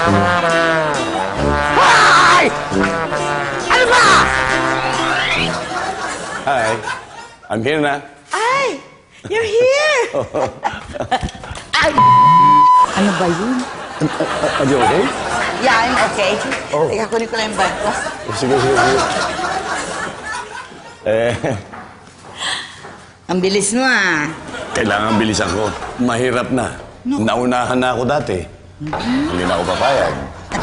Hoy! Ano ba? Hi. I'm here na. Ay! You're here! Ay! Ano ba yun? Are you okay? Yeah, I'm okay. Oh. Teka, kunin ko lang yung bag ko. Sige, sige, sige. Ang bilis mo ah. Kailangan bilisan ko. Mahirap na. Naunahan na ako dati. Hindi na ako papayag.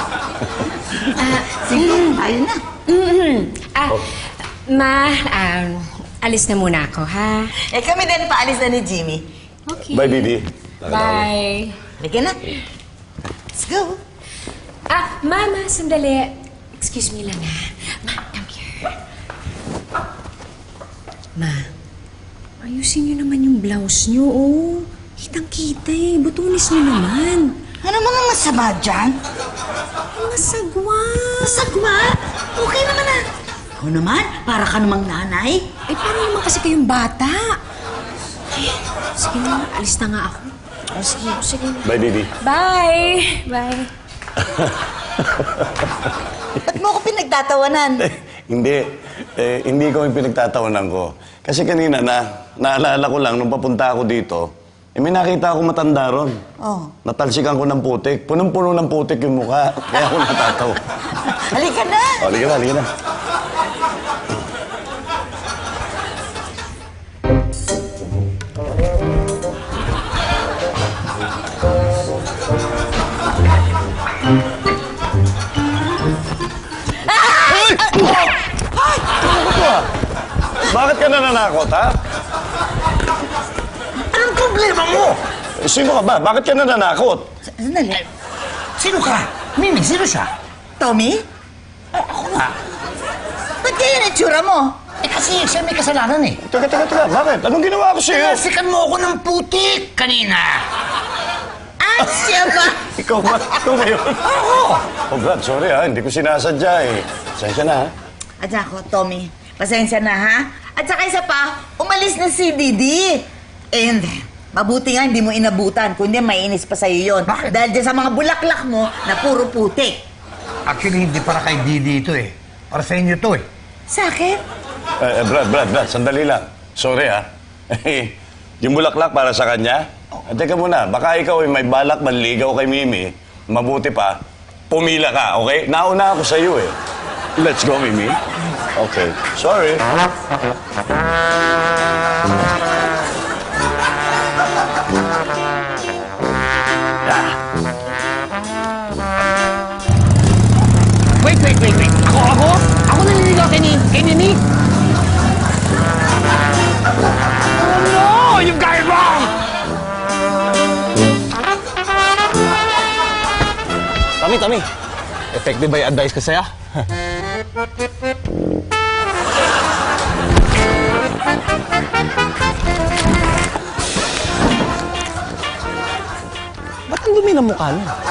Sige, ayun na. Ma, alis na muna ako, ha? Eh kami din paalis na ni Jimmy. Okay. Bye, Didi. Bye. Halika na. Let's go. Mama, sandali. Excuse me lang, ha? Ma, come here. Ma, ayusin niyo naman yung blouse niyo, oh. Kitang-kita eh. Butunis niyo naman. Ano mga masama dyan? Masagwa. Masagwa? Okay naman ah. Ikaw naman, para ka namang nanay. Eh, paano naman kasi kayong bata? Sige na, alis na nga ako. Oh, sige. Sige na. Bye, Didi. Bye! Bye. Ba't mo ako pinagtatawanan? Hindi. Hindi ko yung pinagtatawanan ko. Kasi kanina naalala ko lang nung papunta ako dito, may nakita ako matanda ron. Oh. Natalsikan ko ng putik. Punong-puno ng putik yung mukha. Kaya ako natatawa. Halika na. Halika na, halika na. Bakit ka nananakot, ha? Anong problema mo? Sino ka ba? Bakit ka nananakot? Sandali. Sino ka? Mimi, sino siya? Tommy? Ako nga. Ba't kaya itsura mo? Eh kasi siya may kasalanan eh. Teka. Bakit? Anong ginawa ko sa'yo? Tinasikan mo ako ng putik kanina. Ah, siya ba? Ikaw ba? Ikaw ba yun? Ako! Oh, Brad, sorry ha. Hindi ko sinasadya eh. Pasensya na ha. At ako, Tommy, pasensya na ha? At saka isa pa, umalis na si Didi. And mabuti nga hindi mo inabutan, kundi mainis pa sa'yo yun. Bakit? Dahil dyan sa mga bulaklak mo na puro putik. Actually, hindi para kay Didi ito eh. Para sa inyo to eh. Sa akin? Brad, sandali lang. Sorry ha. Yung bulaklak para sa kanya? Teka muna, baka ikaw ay may balak manligaw kay Mimi. Mabuti pa, pumila ka, okay? Nauna ako sa'yo eh. Let's go, Mimi. Okay. Sorry. Wait. Ako? Ako naniligaw kay Nini? Oh no! You got it wrong! Tami. Effective ba yung advice ko sa'yo? Ba't ang dumi ng mukha mo?